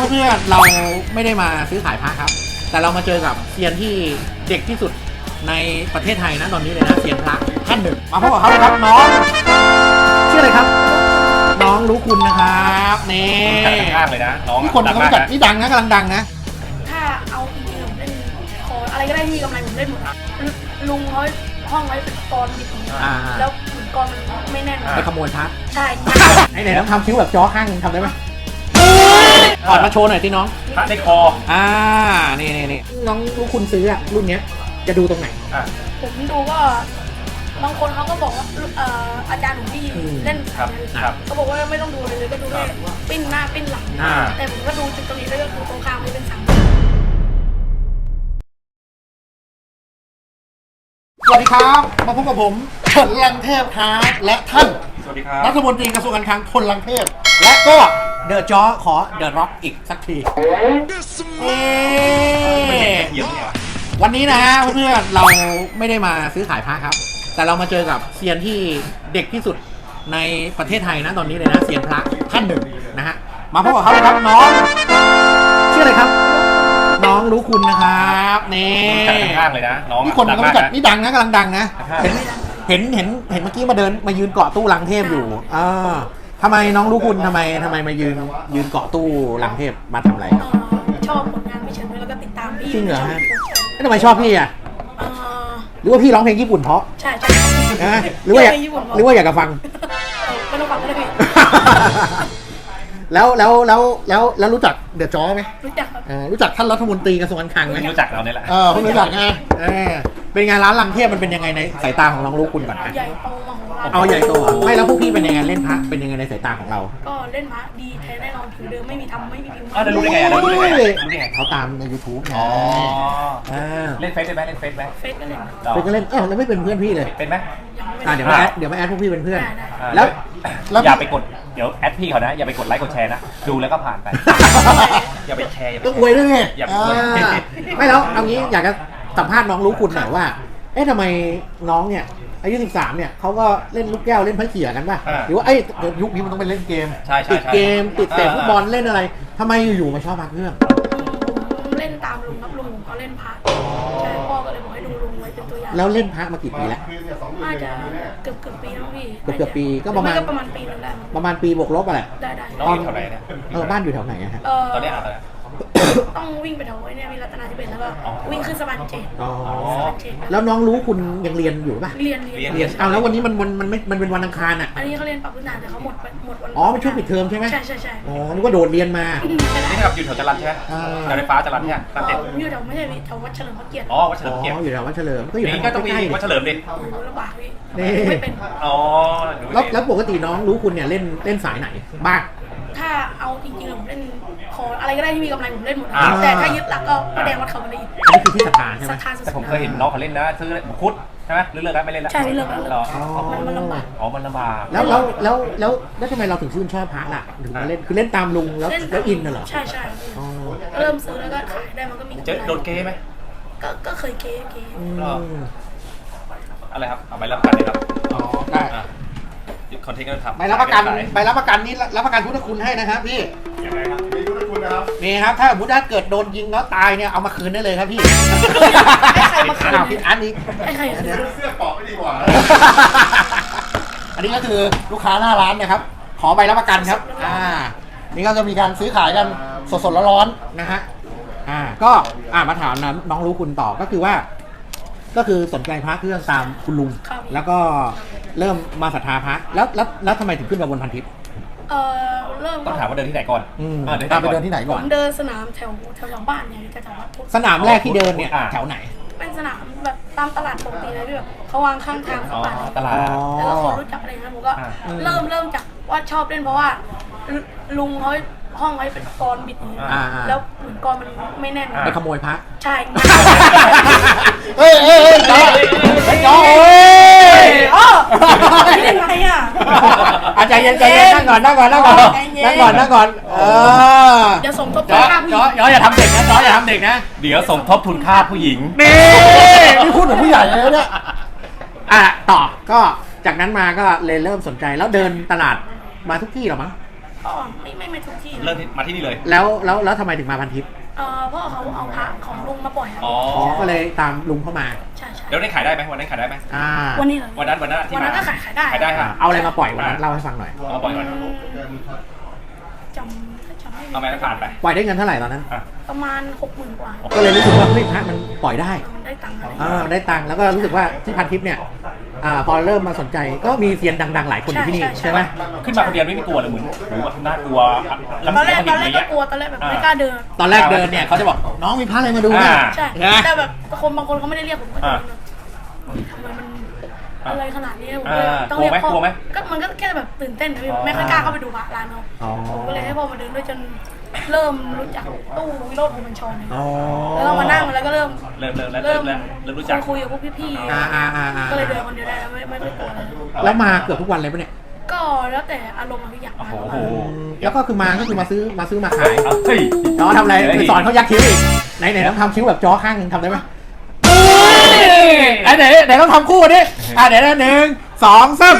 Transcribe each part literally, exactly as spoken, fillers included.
เพื่อนๆเราไม่ได้มาซื้อขายพระครับแต่เรามาเจอกับเซียนที่เด็กที่สุดในประเทศไทยนะตอนนี้เลยนะเซียนพระท่านหนึ่งมาพบกับเขาเลยครับน้องชื่ออะไรครับน้องรู้คุณนะครับนี่ข้างเลยนะน้องที่คนเขาจัดนี่ดังนะกำลังดังนะถ้าเอาจริงๆผมเล่นคออะไรก็ได้ที่มีกำไรผมเล่นหมดลุงเขาห้องไว้เป็นกรบิดแล้วเหมือนกรมันไม่แน่นไปขโมยพระใช่ไอ้ไหนต้องทำคิ้วแบบจ้อข้างทำได้ไหมถอดมาโชว์หน่อยที่น้องพระในคออ่านี่นี่นี่น้องรู้คุณซื้ออะรุ่นเนี้ยจะดูตรงไหนผมดูก็บางคนเขาก็บอกว่าอาจารย์ของพี่เล่นเขาบอกว่าไม่ต้องดูเลยก็ดูได้ปิ้นหน้าปิ้นหลังแต่ผมก็ดูจุดตรงนี้แล้วก็ดูตรงข้ามไม่เป็นสังสวัสดีครับมาพบกับผมพลลังเทพครับและท่านสวัสดีครับรัฐมนตรีกระทรวงการคลังพลลังเทพและก็เดอะจ๊อขอเดอะร็อกอีกสักทีวันนี้นะฮะเพื่อนๆเราไม่ได้มาซื้อขายพระครับแต่เรามาเจอกับเซียนที่เด็กที่สุดในประเทศไทยนะตอนนี้เลยนะเซียนพระท่านหนึ่งนะฮะมาพบกับเขาเลยครับน้องชื่ออะไรครับน้องรู้คุณนะครับนี่ข้างเลยนะน้องที่คนเขาจัดนี่ดังนะกำลังดังนะเห็นเห็นเห็นเห็นเมื่อกี้มาเดินมายืนเกาะตู้ลังเทพอยู่อ่าทำไมน้องรู้คุณทำไมทำไมมายืนยืนเกาะตู้ลังเทพมาทำอะไรชอบผลงานพี่เฉินแล้วก็ติดตามพี่จริงเหรอฮะทำไมชอบพี่อ่ะหรือว่าพี่ร้องเพลงญี่ปุ่นเพราะใช่ใช่หรือว่าอยากหรือว่าอยากจะฟังไม่ต้องฟังก็ได้พี่แล้วแล้วแล้วแล้วแล้วรู้จักเดอะจ๊อไหมรู้จักครับรู้จักท่านรัฐมนตรีกระทรวงการคลังไหมรู้จักเราเนี่ยแหละเออรู้จักไงเป็นไงร้านลังเทพมันเป็นยังไงในสายตาของน้องรู้คุณก่อนใหญ่โตมโหฬารเอาใหญ่โตไม่แล้วพวกพี่เป็นยังไงเล่นพระเป็นยังไงในสายตาของเราก็เล่นพระดีแท้แน่นอนผิวเดิมไม่มีทำไม่มีพิมพ์อ้าวรู้ได้ไงรู้ได้ไงรู้ได้ไงเขาตามใน ยูทูบ ไงเล่นเฟซได้ไหมเล่นเฟซไหมเฟซก็เล่นเฟซก็เล่นเออแล้วไม่เป็นเพื่อนพี่เลยเป็นไหมอ่าเดี๋ยวมาแอดเดี๋ยวมาแอดพวกพี่เป็นเพื่อนแล้วอย่าไปกดเดี๋ยวแอดพี่เขานะอย่าไปกดไลค์กดแชร์นะดูแล้วก็ผ่านไปอย่าไปแชร์ต้องอวยด้วยไงอย่าไปอวยไม่แล้วเอางี้อยากจะสัมภาษณ์น้องรู้คุณหน่อยว่าเอ๊ะทำไมน้องเนี่ยอายุสิบสามเนี่ยเขาก็เล่นลูกแก้วเล่นไพ่เขี่ยกันป่ะหรือว่าไอ้ยุคนี้มันต้องไปเล่นเกมติดเกมติดเตะฟุตบอลเล่นอะไรทำไมอยู่ๆมาชอบพระเครื่องเล่นตามลุงครับลุงเขาเล่นพระใช่พ่อก็เลยบอกให้ดูลุงไว้เป็นตัวอย่างแล้วเล่นพระมากี่ปีแล้วน่าจะเกือบเกือบปีแล้วพี่เกือบเกือบปีก็ประมาณประมาณปีนึงได้ประมาณปีบวกลบอะไรได้ได้ตอนแถวไหนเนี่ยเออบ้านอยู่แถวไหนฮะตอนนี้อะไรต้องวิ่งไปแถวเนี่ยมีรัตนาธิเบศแล้วก็วิ่งขึ้นสะพานเจ็ดอ๋อแล้วน้องรู้คุณยังเรียนอยู่ป่ะเรียนเรียนเรียนเอาแล้ววันนี้มันมันมันไม่มันเป็นวันอังคารอ่ะอันนี้เขาเรียนปรับพื้นฐานแต่เขาหมดหมดวันอ๋อเป็นช่วงปิดเทอมใช่ไหมใช่ใช่ใช่อ๋อนึกว่าโดดเรียนมานี่ครับอยู่แถวจรัญใช่ไหมแถวไฟฟ้าจรัญใช่ไหมตั้งแต่อยู่แถวไม่ใช่แถววัดเฉลิมพระเกียรติอ๋อวัดเฉลิมพระเกียรติอยู่แถววัดเฉลิมก็อยู่นี่ก็ต้องมีวัดเฉลิมดิลำบากพี่ไม่เป็นอ๋อแล้วแล้วปกติน้องรู้คุณเนี่ยเล่นเล่นสายไหนบ้างถ้าเอาจริงๆผมเล่นคออะไรก็ได้ที่มีกำไรผมเล่นหมดแต่ถ้ายึดหลักก็พระแดงวัดเขาบันไดอันนี้คือที่ศรัทธาใช่ไหมแต่ผมเคยเห็นน้องเขาเล่นนะซื้อคุดใช่ไหมเลิกแล้วไม่เล่นแล้วใช่เลิกแล้วมันลำบากอ๋อมันลำบากแล้วแล้วแล้วแล้วแล้วทำไมเราถึงชื่นชอบพระล่ะถึงมาเล่นคือเล่นตามลุงแล้วแล้วอินน่ะเหรอใช่ใช่เริ่มซื้อแล้วก็ขายได้มันก็มีเจ๊โดนเก้ไหมก็ก็เคยเก้เก้อะไรครับเอาใบรับประกันเลยครับอ๋อได้คอนเทนต์ก็ทำใบรับประกันใบรับประกันนี้รับประกันพุทธคุณให้นะครับพี่ยังไงครับมีพุทธคุณนะครับนี่ครับถ้าสมมติถ้าเกิดโดนยิงแล้วตายเนี่ยเอามาคืนได้เลยครับพี่ใครมาคืนเอาพี่อันนี้ใครเสื้อเกาะไม่ดีกว่าอันนี้ก็คือลูกค้าหน้าร้านนะครับขอใบรับประกันครับอ่านี่ก็จะมีการซื้อขายกันสดๆร้อนๆนะฮะอ่าก็อ่ามาถามน้องรู้คุณต่อก็คือว่าก็คือสนใจพระเครื่องตามคุณลุงแล้วก็เริ่มมาศรัทธาพระแล้วแล้วแล้วทำไมถึงขึ้นมาบนพันทิพย์เออเริ่มต้องถามว่าเดินที่ไหนก่อนอ่าเดินไปเดินที่ไหนก่อนผมเดินสนามแถวแถวบ้านเนี่ยแถววัดสนามแรกที่เดินเนี่ยแถวไหนเป็นสนามแบบตามตลาดปกติเลยพี่แบบเขาวางข้างทางสปาตลาดแล้วก็คนรู้จักอะไรนะผมก็เริ่มเริ่มจากว่าชอบเล่นเพราะว่าลุงเขาห้องไว้เป็นกรบิดแล้วเหมือนกรมันไม่แน่นไปขโมยพระใช่เฮ้ยเฮ้ยเฮ้ยจ้าเฮ้ยจ้าเฮ้ยอ๋อไม่ได้ไงอ่ะอาจารย์ใจเย็นนั่งก่อนนั่งก่อนนั่งก่อนนั่งก่อนนั่งก่อนเออเดี๋ยวสมทบทุนค่าผู้หญิงจ้ออย่าทำเด็กนะจ้ออย่าทำเด็กนะเดี๋ยวสมทบทุนค่าผู้หญิงนี่นี่พูดเหมือนผู้ใหญ่เลยเนี่ยอ่ะต่อก็จากนั้นมาก็เลยเริ่มสนใจแล้วเดินตลาดมาทุกที่หรอมั้งก็ไม่ไม่ไม่ทุกที่เริ่มที่มาที่นี่เลยแล้วแล้วแล้วทำไมถึงมาพันทิพย์เอ่อพ่อเขาเอาพระของลุงมาปล่อยครับอ๋ออ๋อก็เลยตามลุงเข้ามาใช่ใช่แล้วได้ขายได้ไหมวันนั้นขายได้ไหมอ่าวันนี้เหรอวันนั้นวันนั้นที่วันนั้นมาก็ขายขายได้ขายได้อ่าค่ะเอาอะไรมาปล่อยวันนั้นเล่าให้ฟังหน่อยเอาปล่อยก่อนจำถ้าจำไม่เอาไหมผ่านไปปล่อยได้เงินเท่าไหร่ตอนนั้นอ่ะประมาณหกหมื่นกว่าก็เลยรู้สึกว่าเฮ้ยพระมันปล่อยได้มันได้ตังค์อะไรอ่าได้ตังค์แล้วก็รู้สึกว่าที่พันทิพย์เนี่ยอ่าพอเริ่มมาสนใจก็มีเซียนดังๆหลายคนอยู่ที่นี่ใช่ไหมขึ้นมาคนเดียวไม่มีกลัวเลยเหมือนหรือว่าน่ากลัวตอนแรกตอนแรกอะไรก็เงี้ยกลัวตอนแรกแบบไม่กล้าเดินตอนแรกเดินเนี่ยเขาจะบอกน้องมีพระอะไรมาดูนะอ่าใช่นะแต่แบบคนบางคนเขาไม่ได้เรียกผมก็อ่าทำไมมันอะไรขนาดนี้ผมอ่าก็เลยต้องเรียกพ่อกลัวไหมก็มันก็แค่แบบตื่นเต้นนะพี่อ๋อไม่ค่อยกล้าเข้าไปดูพระร้านเขาอ๋อผมก็เลยให้พ่อมาเดินด้วยจนเริ่มรู้จักตู้วิโรจน์ภูมิบัญชรเนี่ยอ๋อแล้วก็มานั่งแล้วก็เริ่มเริ่มเริ่มแล้วเริ่มแล้วเริ่มรู้จักคุยกับพวกพี่อ่าอ่าอ่าอ่าๆก็เลยเดินคนเดียวได้แล้วไม่ไม่ไม่กลัวเลยแล้วมาเกือบทุกวันเลยปะเนี่ยก็แล้วแต่อารมณ์อะพี่อยากมาโอ้ก็โหมาแล้วก็คือมาก็คือมาซื้อมาซื้อมาขายเอาเฮ้ยจอทำอะไรไปสอนเขายักคิ้วอีกไหนไหนต้องทำคิ้วแบบจอข้างหนึ่งทำได้ไหมไหนไหนไหนต้องทำคู่ดิอ่ะเดี๋ยวนะหนึ่งสองสาม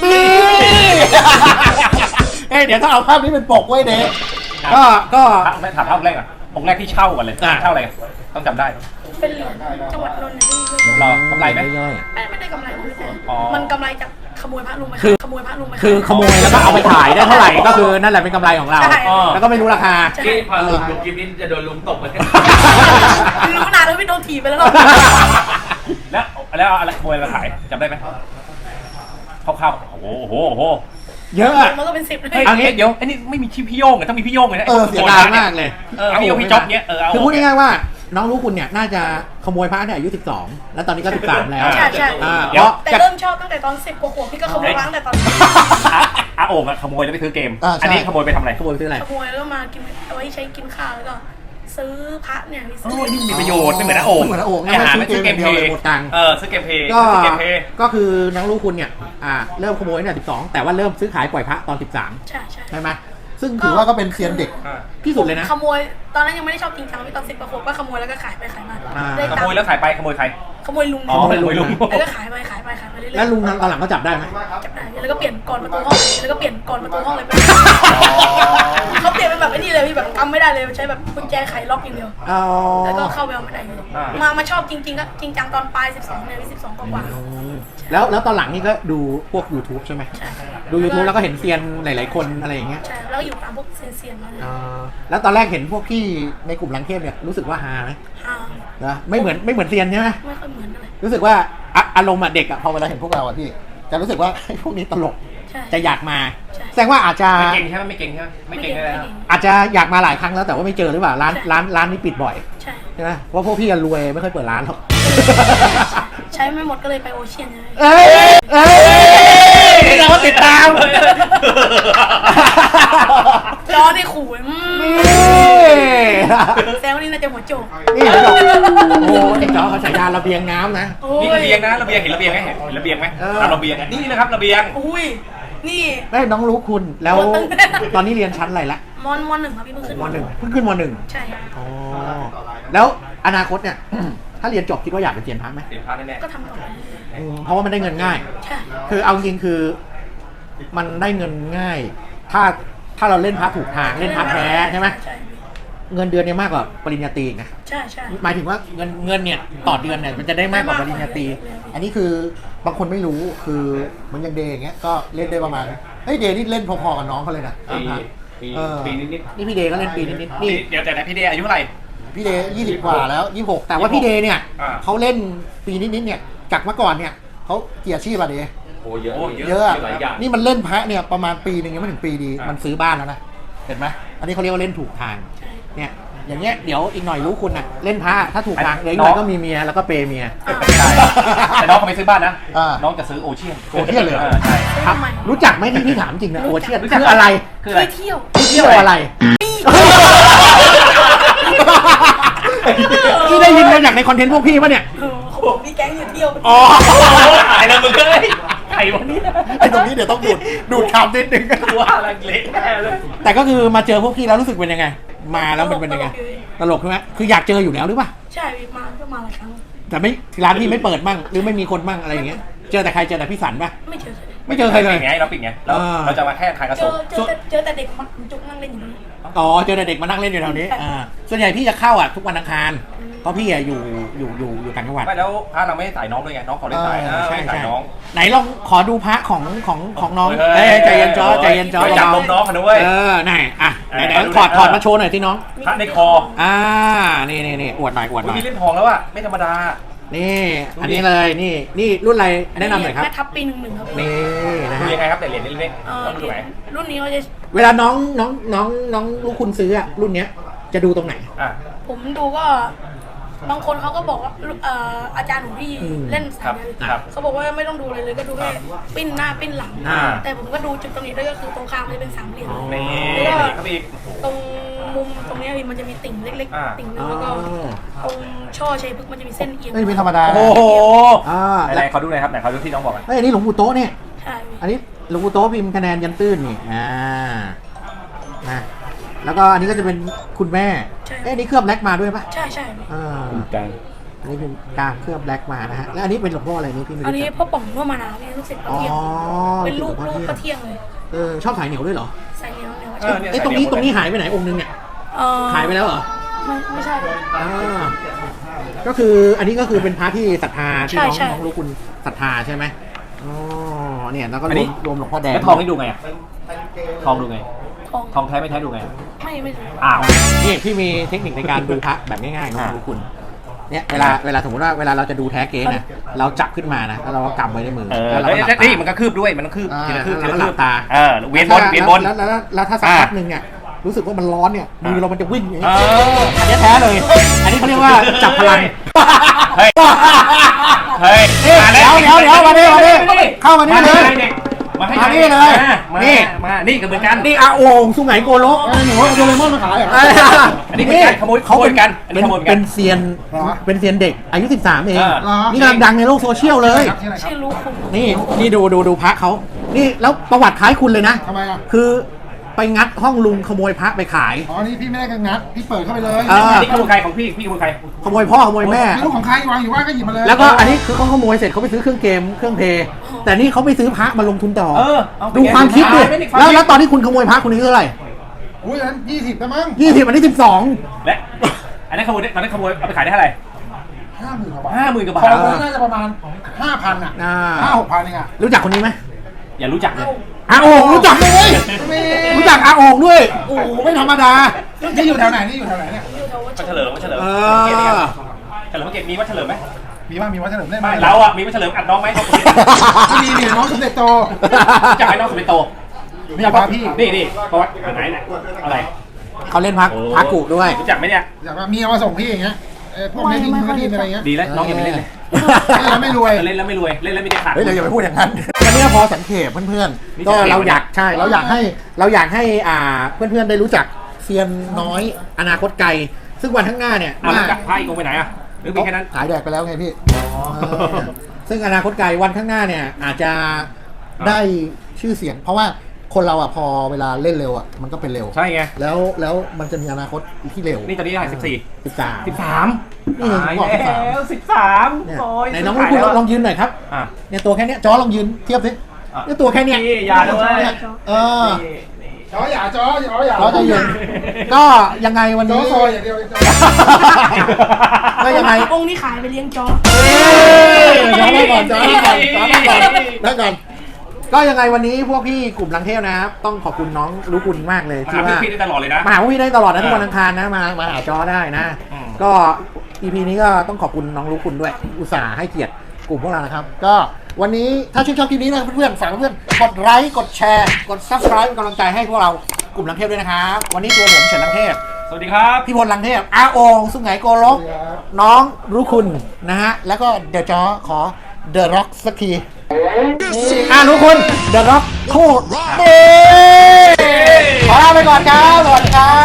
เอ้ยเดี๋ยวต้องเอาภาพนี้เป็นปกไว้เด็กก็ก็ถามถามภาพแรกอ่ะองค์แรกที่เช่ากันเลยอ่ะเช่าอะไรต้องจำได้เป็นเหรียญจังหวัดนนท์นะพี่รอกำไรไหมย่อยไม่ไม่ได้กำไรเลยแต่อ๋อมันกำไรจากขโมยพระลุงไปคือขโมยพระลุงไปๆคือขโมยแล้วก็เอาไปขายได้เท่าไหร่ก็คือนั่นแหละเป็นกำไรของเราใช่แล้วก็ไม่รู้ราคาที่พอลุงดูคลิปนี้จะโดนลุงตบไปรู้นานแล้วพี่โดนถีบไปแล้วเนาะแล้วแล้วอะไรขโมยมาขายจำได้ไหมคร่าวๆโอ้โหโอ้โหโอ้โหเยอะอะมันก็เป็นสิบเลยเฮ้ยเอางี้เดี๋ยวไอ้นี่ไม่มีชื่อพี่โยงเลยต้องมีพี่โยงเลยนะเออเสียดายมากเลยเออพี่โยงพี่จ๊อบเนี้ยเออเอาคือพูดง่ายๆว่าน้องรู้คุณเนี่ยน่าจะขโมยพระเนี่ยอายุสิบสองแล้วตอนนี้ก็สิบสามแล้วใช่ใช่อ่าเดี๋เพยวราะแต่เริ่มชอบตั้งแต่ตอนสิบกว่าขวบพี่ก็ขโมยร้านแต่ตอนอาอาโอ่งอะขโมยแล้วไปซื้อเกมอ่าใช่อันนี้ขโมยไปทำอะไรขโมยไปซื้ออะไรขโมยแล้วมากินเอาไว้ใช้กินข้าวแล้วก็ซื้อพระเนี่ยพี่โอ้ซื้อยนี่มีประโยชน์ไม่เหมือนอาโอ่งไม่เหมือนอาโอ่งไอ้หาไม่ซื้อเกมเพเดียวย์เลยหมดตังค์เออซื้อเกมเพย์ก็ซื้อเกมเพย์ก็คือน้องรู้คุณเนี่ยอ่าเริ่มขโมยเนี่ยสิบสองแต่ว่าเริ่มซื้อขายปล่อยพระตอนสิบสามใช่ใช่ใช่ไหมซึ่งถือว่าก็เป็นเซียนเด็กอ่าที่สุดเลยนะขโมยตอนนั้นยังไม่ได้ชอบจริงจังพี่ตอนสิบกว่าขวบก็ขโมยแล้วก็ขายไปขายมาอ่าได้ขตังโมยค์แล้วขายไปขโมยใครขโมยลุงอ๋อขโมยลุงแล้วก็ขายไปขายไปขายไปเรื่อยๆแล้วลุงนั้นตอนหลังก็จับได้ไหมจับได้แล้วก็เปลี่ยนก่อนประตูห้องแล้วก็เปลี่ยนก่อนประตูห้องเลยเขาเปลี่ยนเป็นแบบไอ้นี่เลยพี่แบบกำไม่ได้เลยใช้แบบกุญแจไขล็อกอย่างเดียวอ๋อแล้วก็เข้าไปเอาไม่ได้เลยมามาชอบจริงๆก็จริงจังตอนปลายสิบสองเนี่ยสิบสองกว่าแล้วแล้วตอนหลังนี่ก็ดูพวก YouTube ใช่ไหมใช่ดู YouTube แล้วก็เห็นเซียนหลายๆคนอะไรอย่างเงี้ยใช่แล้วก็อยู่ตามพวกเซียนๆมาเลยอ่าแล้วตอนแรกเห็นพวกพี่ในกลุ่มลังเทพเนี่ยรู้สึกว่าฮาไหมอ่านะไม่เหมือนไม่เหมือนเซียนใช่ไหมไม่ค่อยเหมือนอะไรรู้สึกว่าอ่ะอารมณ์อ่ะเด็กอ่ะพอเวลาเห็นพวกเราอ่ะพี่จะรู้สึกว่า ไอ้พวกนี้ตลกใช่จะอยากมาใช่แสดงว่าอาจจะไม่เก่งใช่ไหมไม่เก่งใช่ไหมไม่เก่งเลยนะอาจจะอยากมาหลายครั้งแล้วแต่ว่าไม่เจอหรือเปล่าร้านร้านร้านนี้ปิดบ่อยใช่ใช่ไหมเพราะพวกพี่อะรวยไม่ค่อยเปิดร้านหรอกใช้ไม่หมดก็เลยไปโอเชียนเลยเอ้ยเอ้ยเราก็ติดตามจอนี่ขู่อืมนี่แซวนี่น่าจะหัวโจกนี่เห็นบอกโอ้ไอ้จอเขาฉายาระเบียงน้ำนะโอ้นี่ยระเบียงนะระเบียงเห็นระเบียงไหมเห็นระเบียงไหมเอออ่ะระเบียงอ่ะนี่นะครับระเบียงอุ้ยนี่เอ้ยน้องรู้คุณแล้วตอนนี้เรียนชั้นอะไรละมอนมอนหนึ่งครับพี่เพิ่งขึ้นมหนึ่งเพิ่งขึ้นมหนึ่งใช่ครับอ๋อแล้วอนาคตเนี่ย ถ้าเรียนจบคิดว่าอยากเป็นเซียนพระไหมเสียพลาดแน่ก็ทำต่อไปเรื่อยอืมเพราะว่ามันได้เงินง่ายๆใช่คือเอาจริงๆคือ มันได้เงินง่าย ถ้าถ้าเราเล่นพระถูกทางเล่นพระแท้ใช่ไหมใช่เงินเดือนเนี่ยมากกว่าปริญญาตรีอีกนะใช่ใช่หมายถึงว่าเงินเงินเนี่ยต่อเดือนเนี่ยมันจะได้มากกว่าปริญญาตรีอันนี้คือบางคนไม่รู้คือมันยังเดย์อย่างเงี้ยก็เล่นได้ประมาณเฮ้ยเดย์นี่เล่นพอๆกับน้องเขาเลยนะๆปีปีเออปีนิดนี่พี่เดย์ก็เล่นปีนิดๆๆนี่เดี๋ยวแต่ไหนพี่เดย์อายุเท่าไหร่พี่เดย์ยี่สิบกว่าแล้วยี่สิบหกแต่ว่าพี่เดย์เนี่ยอ่าเขาเล่นปีนิดๆเนี่ยจากเมื่อก่อนเนี่ยเขาเกียรติชีพอะเดย์โอ้เยอะโอ้เยอะเยอะอะหลายอย่างนี่มันเล่นพระเนี่ยประมาณปีหนึ่งยังไม่ถึงปีดีอ่ามัมันซื้อบ้านแล้วนะเห็นไหมอันนี้เขาเรียกว่าเล่นถูกทางเนี่ยอย่างเงี้ยเดี๋ยวอีกหน่อยรู้คุณน่ะเล่นพระถ้าถูกทางเดี๋ยวอีกหน่อยก็มีเมียแล้วก็เปย์เมียใช่แต่น้องเขาไม่ซื้อบ้านนะอ่าน้องจะซื้อโอเชียนโอเชียนเลยเหรอใช่ครับรู้จักไหมที่พี่ถามจริงนะโอเชียนรู้จักคืออะไรคืออะไรไปเที่ยวที่เที่ยวอะไรที่ได้ยินมาจากในคอนเทนต์พวกพี่ปะเนี่ยเออเขาบอกมีแก๊งอยู่เที่ยวอ๋อตายแล้วมึงเอ้ยไข่วันนี้ไอ้ตรงนี้เดี๋ยวต้องดูดดูดคำนิดนึงตัวอะไรเละแน่เลยแต่ก็คือมาเจอพวกพี่แล้วรู้สึกเป็นยังไง มาแล้วมันเป็นยังไงตลกใช่ไหมคืออยากเจออยู่แล้วหรือเปล่าใช่พี่มาก็มาหลายครั้งแต่ไม่ร้านพี่ไม่เปิดมั่งหรือไม่มีคนมั่งอะไรอย่างเงี้ยเจอแต่ใครเจอแต่พี่สันปะไม่เจอไม่เจอใครเลยไงเราปิดไงเราอ่าเราจะมาแค่ขายกระเจสออบเจอแต่เจอแต่เด็กมันจุกนั่งเล่นอยู่นี่อ๋อเจอแต่เด็กมานั่งเล่นอยู่แถวนี้อ่าส่วนใหญ่พี่จะเข้าอ่ะทุกวันอังคารเพราะพี่อ่ะอยู่อยู่อยู่อยู่ต่างจังหวัดไม่แล้วพระเราไม่ได้ใส่น้องด้วยไงน้องขอได้ใส่เอนะอใช่ไม่ใส่ใช่น้องไหนลองขอดูพระของของของน้องเฮ้เอ้ยยใจเย็นจอใจเย็นจอไปจับนมน้องเขาด้วยเออไหนอ่ะไหนไหนเออดูถอดดิถอดเออมาโชว์หน่อยที่น้องพระในคออ่านี่นี่นี่อวดหน่อยอวดหอุ๊ยน่อยมีเล่นทองแล้วอ่ะไม่ธรรมดานี่ดูดิอันนี้เลยนี่นี่รุ่นอะไรแนะนำหน่อยครับแม่ทับปีหนึ่งหนึ่งครับนี่นะดูฮะยังไงครับแต่เหรียญเล็กเอๆอต้องดูไหนรุ่นนี้เขาจะเวลาน้องน้องน้องน้องลูกคุณซื้ออะรุ่นเนี้ยจะดูตรงไหนอ่ะผมดูก็บางคนเขาก็บอกว่าเอ่ออาจารย์ของพี่อืมเล่นครัสายบนี้ครับเขาบอกว่าไม่ต้องดูอะไรเลยก็ดูแค่ปิ้นหน้าปิ้นหลังอ่าแต่ผมก็ดูจุดตรงนี้ด้วยก็คือตรงกลางมันจะเป็นสามเหลี่ยมนี่แล้วก็นี่ครับอีกตรงมุมตรงเนี้ยมันจะมีติ่งเล็กอ่าๆ ติ่งนึงแล้วก็ตรงช่อชัยพฤกษ์มันจะมีเส้นเอียงไม่เป็นธรรมดาโอ้โหอ่าไหนๆเขาดูหน่อยครับไหนเขาดูที่น้องบอกอ่ะเฮ้ยอันนี้หลวงปู่โต๊ะเนี่ยใช่อันนี้หลวงปู่โต๊ะพิมพ์คะแนนยันตื้นนี่อ่านะแล้วก็อันนี้ก็จะเป็นคุณแม่เอ้ยอันนี้เคลือบแบล็กมาด้วยปะใช่ใช่อ่ากลางอันนี้เป็นการเคลือบแบล็กมานะฮะแล้วอันนี้เป็นหลวงพ่ออะไรนี่พี่ไม่อันรู้นี้จักพ่อป่องพ่อมานาเนี่ยลูกศิษย์พระอ๋อเทียมเป็นลูกหวงลูพ่กเทียมพระเทียมเลยเออชอบสายเหนียวด้วยเหรอใส่เนี้ยเนี่ยเออเนี่ยไอ้ยตรงนี้ตรงนี้หายไปไหนองค์นึงเนี่ยเออหายไปแล้วเหรอไม่ไม่ใช่อ่าก็คืออันนี้ก็คือเป็นพระที่ศรัทธาที่น้องใช่ใช่น้องรู้คุณศรัทธาใช่ไหมอ๋อเนี่ยแล้วก็อันรนี้วมรวมหลวงพ่อแดงแล้วทองนี่ดูไงอ่ะทองดูไงทองทองแท้ไม่แท้ดูไงไม่ไม่ใช่อ้าวนี่พี่มีเทคนิคในการดูพระแบบง่ายๆน้องรู้คุณเนี่ยเวลาเวลาสมมติว่าเวลาเราจะดูแท้เก๊นะเราจับขึ้นมานะแล้วเราก็กำไว้ในมือเออแล้วเราแล้วก็หลับตานี่มันก็คืบด้วยมันต้องคืบอ่าทีละคืบทีแล้วละก็หคืลับบตาเออเวียนบนเวียนบนแล้วแล้วแล้วแล้วถ้าสักอ่าพักหนึ่งเนี่ยรู้สึกว่ามันร้อนเนี่ยมือเรามันจะวิ่งอย่างเอนี้ออันนี้แท้เลย อันนี้เขาเรียกว่าจับพลังเฮ้ย เฮ้ยนี่มาเดี๋ยวเดี๋ยวเดี๋ยวมาดิมาดิเข้ามานี่เลยมาให้มานี่เลยมานี่มานี่ก็เหมือนกันนี่อาโอ่งสุไหงโกลกหนูเอาโดเรมอนมาขายเหรออันนี้เป็นการขโมยเขาขโมเป็ยนกันอันนี้เป็นขโมยกันเป็นเซียนเป็นเซียนเด็กอายุสิบสามเองเออนี่กำลังดังในโลกโซเชียลเลยชื่อลูกคุณนี่นี่ดูดูดูพระเขานี่แล้วประวัติคล้ายคุณเลยนะทำไมอ่ะคือไปงัดห้องลุงขโมยพระไปขายอ๋อ นี่พี่ไม่ได้กันงัด พี่เปิดเข้าไปเลยเออนี่ขโมยใครของพี่พี่ขโมยใครขโมยพ่อขโมยแม่ไม่รู้ของใครวางอยู่ว่าก็หยิบมาเลยแล้วก็อันนี้คือเขาขโมยเสร็จเขาไปซื้อเครื่องเกมเครื่องเพลย์แต่นี่เขาไปซื้อพระมาลงทุนต่อเออเอาไปดูความคิดดิไม่ได้ความแล้วคิดแล้วตอนที่คุณขโมยพระคุณนี้เท่าไหร่อุ้ยอันนั้นยี่สิบแล้วมั้งยี่สิบอันนี้สิบสองและอันนั้นขโมยได้ตอนนั้นขโมยเอาไปขายได้เท่าไหร่ห้าหมื่นกว่าบาทห้าหมื่นกว่าบาททองน่าจะประมาณห้าพันอ่ะอ่าห้าหกพันเองอ่ะรู้จักคนนี้ไหมอย่ารู้จักเลยอาโอ่งรู้จักเลย รู้จักอาโอ่งด้วยโอ้โหไม่ธรรมดานี่อยู่แถวไหน นี่อยู่แถวไหนเนี่ยอยู่แถววัดวัดเฉลิมวัดเฉลิมเอเกียรติอครับเฉลิมเกียรติมีวัดเฉลิมไหมมีว่ามีวัดเฉลิมได้ไหมไม่เราอ่ะมีวัดเฉลิมอัดน้องไหมเขาไม่มีนี่น้องสมเด็จโตรู้จักไอ้น้องสมัยโตนี่พาพี่นี่นี่ประวัติไหนไหนอะไรเขาเล่นพักพักกุด้วยรู้จักไหมเนี่ยอยากว่ามีเอามาส่งพี่อย่างเงี้ยเออพวกนี้ดินมือดินอะไรเงี้ยดีแล้วน้องอย่าไปเล่นเลยเล่นแล้วไม่รวยเล่นแล้วไม่รวยเล่นแล้วไม่ได้ขาดเฮ้ยเราอย่าไปพูดอย่างนั้นวันนี้พอสังเกตเพื่อนนี่ๆ ก็สังเกตเราอยากใช่เราอยากให้เราอยากให้อ่าเพื่อนๆได้รู้จักเซียนน้อยอนาคตไกล ซึ่งวันข้างหน้าเนี่ยอ่ะแล้วกับพายอีกองค์ไปไหนอ่ะหรือมีแค่นั้นขายแดกไปแล้วไงพี่เออซึ่งอนาคตไกลวันข้างหน้าเนี่ยอาจจะได้ชื่อเสียง เพราะว่าคนเราอ่ะพอเวลาเล่นเร็วอ่ะมันก็เป็นเร็วใช่ไงแล้วแล้วมันจะมีอนาคตที่เร็วนี่ตอนนี้เท่าไหร่สิบสี่สิบสามสิบสามนี่ผมบอกสิบสามแล้วสิบสามเนี่ยโอ้ยไหนน้องลูกคุณลองยืนหน่อยครับอ่ะเนี่ยตัวแค่เนี้ยจอลองยืนเทียบสิอ่ะเนี่ยตัวแค่เนี้ยนี่อย่าด้วยเออจออย่าจออย่าอย่าเราจะยืนก็ยังไงวันจอนี้ซอยอย่างเดียวจอก็ยังไงองค์นี้ขายไปเลี้ยงจอเอ้ยจอได้ก่อนจอได้ก่อนจอได้ก่อนได้ก่อนก็ยังไงวันนี้พวกพี่กลุ่มลังเทพนะครับต้องขอบคุณน้องรู้คุณมากเลยมาที่หาว่าพี่ได้ตลอดเลยนะมาหาพวกพี่ได้ตลอดนะเออทุกวันอังคารนะมามาหาจอได้นะอืมก็ อี พี นี้ก็ต้องขอบคุณน้องรู้คุณด้วย อุตส่าห์ให้เกียรติกลุ่มพวกเรานะครับ ก็วันนี้ถ้าชื่นชอบคลิปนี้นะเพื่อนๆฝากเพื่อนๆกดไลค์กดแชร์กด ซับสไครบ์ เป็นกำลังใจให้พวกเรากลุ่มลังเทพด้วยนะครับวันนี้ตัวผมเฉินลังเทพสวัสดีครับพี่พลลังเทพอาโองสุไหงโกลกน้องรู้คุณนะฮะแล้วก็เดอะจอขอเดอะร็อกสักทีอ่ารู้คุณเดอะร็อกโคตรเด้ขอลาไปก่อนครับสวัสดีครับ